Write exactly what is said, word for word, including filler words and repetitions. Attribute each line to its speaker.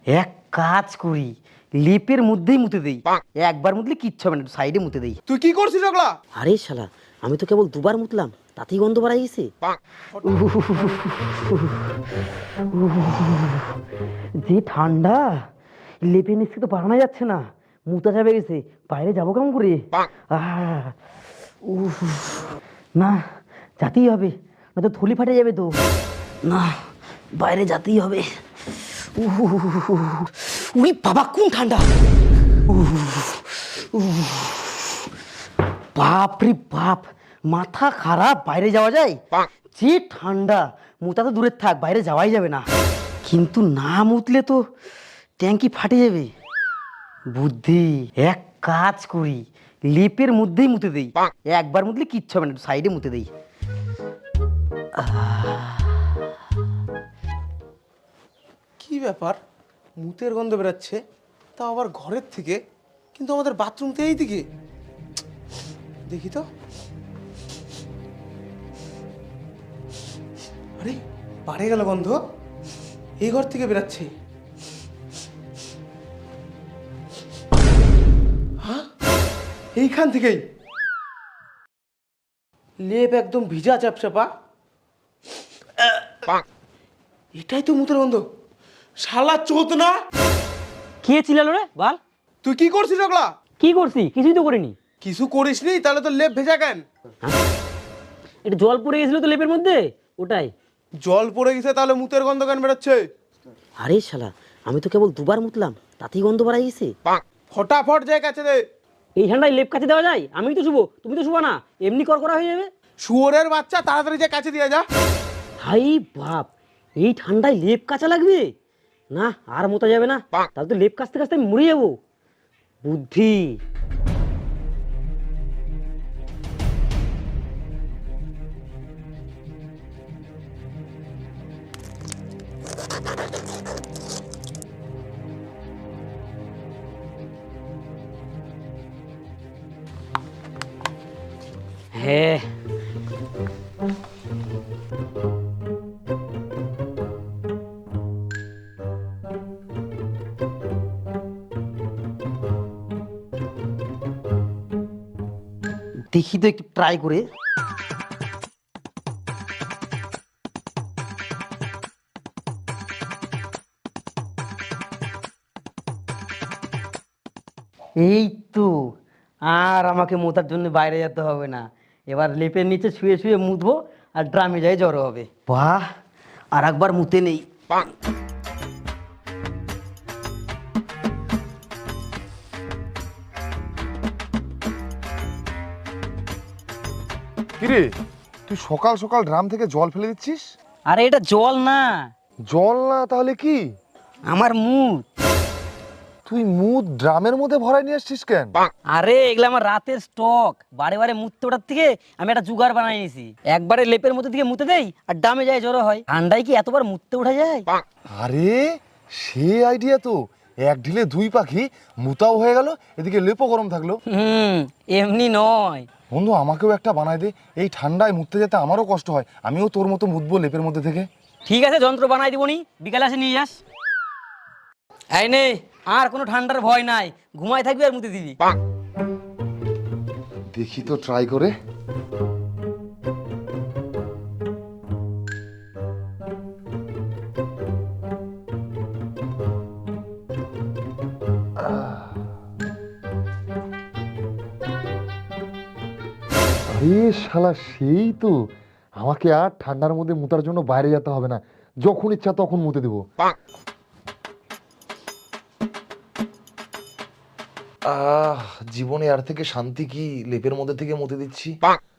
Speaker 1: এক কাজ করি, লেপের মধ্যেই মুতে দেই। একবার মুতলে কিচ্ছু হবে না, সাইডে মুতে দেই।
Speaker 2: তুই কি করছিস ওগুলা?
Speaker 1: আরে শালা, আমি তো কেবল দুবার মুতলাম, তাতেই গন্ধ বাড়াই গেছে। যে ঠান্ডা, লেপের নিচে তো বাড়ানো যাচ্ছে না, মুতা যাবে গেছে। বাইরে যাবো কেমন করে? আহ, উফ, না যাতেই হবে, না তো থলি ফাটে যাবে তো। না, বাইরে যেতেই হবে। উই বাবা, কোন ঠান্ডা! বাপ রে বাপ, মাথা খারাপ। বাইরে যাওয়া যায়? যে ঠান্ডা, মুতা তো দূরের থাক, বাইরে যাওয়াই যাবে না। কিন্তু না মুতলে তো ট্যাঙ্কি ফাটে যাবে। বুদ্ধি, এক কাজ করি, লেপের মধ্যেই মুতে দেই। একবার মুতলে কিচ্ছু হবে না, সাইডে মুতে দেই।
Speaker 2: কি ব্যাপার, মুতের গন্ধ বেরাচ্ছে, তা আবার ঘরের থেকে, কিন্তু আমাদের বাথরুম তো এই দিকে। দেখি তো। আরে বাড়ে গেল গন্ধ, এই ঘর থেকে বেরাচ্ছে। হ্যাঁ, এইখান থেকেই। লেপ একদম ভিজা চাপচাপা। এটাই তো মুতের গন্ধ। শালা চোদ না!
Speaker 1: কে চিল্লালো রে বল?
Speaker 2: তুই কি করছিস ওগুলা?
Speaker 1: কি করছি? কিছুই তো করিনি।
Speaker 2: কিছু করিসনি, তাহলে তো লেপ ভেজা কেন?
Speaker 1: এটা জল পড়ে গেছিল তো লেপের মধ্যে, ওটাই।
Speaker 2: জল পড়ে গেছে, তাহলে মুতের গন্ধ কেন বেরোচ্ছে?
Speaker 1: আরে শালা, আমি তো কেবল দুবার মুতলাম, তাতেই গন্ধ বাড়াই গেছে।
Speaker 2: ফটাফট যায় কাছে দে।
Speaker 1: এই ঠান্ডায় লেপ কাছে দেওয়া যায়? আমি তো শুবো, তুমি তো শুবা না, এমনি করকরা হয়ে যাবে।
Speaker 2: শুয়োরের বাচ্চা, তাড়াতাড়ি যায় কাছে দিয়ে যা।
Speaker 1: হাই বাপ, এই ঠান্ডায় লেপ কাচা লাগবে? না, আর মোতা যাবে না, তাহলে তো লেপ কাচতে কাচতে আমি মরে যাবো। বুদ্ধি। হ্যাঁ, দেখি তো একটু ট্রাই করে। এই তো, আর আমাকে মোতার জন্য বাইরে যেতে হবে না। এবার লেপের নিচে শুয়ে শুয়ে মুতবো, আর ড্রামে যাই জড়ো হবে। বাহ, আর একবার মুতে নেই।
Speaker 3: কিরে, তুই সকাল সকাল ড্রাম থেকে জল ফেলে দিচ্ছিস?
Speaker 1: আরে এটা জল না,
Speaker 3: জল না তাহলে কি?
Speaker 1: আমার মুত।
Speaker 3: তুই মুদ ড্রামের মধ্যে ভরাই নিয়ে আসছিস কেন?
Speaker 1: আরে এগুলো আমার রাতের স্টক। বারে বারে মুততে ওঠার থেকে আমি একটা জুগার বানাই নিয়েছি। একবারে লেপের মধ্যে থেকে মুতে দেই, আর ডামে যায় জড়ো হয়। ঠান্ডায় কি এতবার মুততে ওঠা যায়?
Speaker 3: আরে সে আইডিয়া তো, এক ঢিলে দুই পাখি, মুতাও হয়ে গেল, এদিকে লেপও গরম থাকলো।
Speaker 1: হুম, এমনি নয়।
Speaker 3: বন্ধু, আমাকেও একটা বানাই দে। এই ঠান্ডায় মুততে যেতে আমারও কষ্ট হয়, আমিও তোর মতো মুতবো লেপের মধ্যে থেকে।
Speaker 1: ঠিক আছে, যন্ত্র বানাই দিবনি, বিকালে এসে নিয়ে যাস। এই নে, আর কোনো ঠান্ডার ভয় নাই, ঘুমাই থাকবি আর মুতে দিবি।
Speaker 3: দেখি তো ট্রাই করে। আরে শালা, সেই তো। আমাকে আর ঠান্ডার মধ্যে মুতার জন্য বাইরে যেতে হবে না, যখন ইচ্ছা তখন মুতে দেবো। আহ, জীবনে আর থেকে শান্তি কি, লেপের মধ্যে থেকে মুতে দিচ্ছি।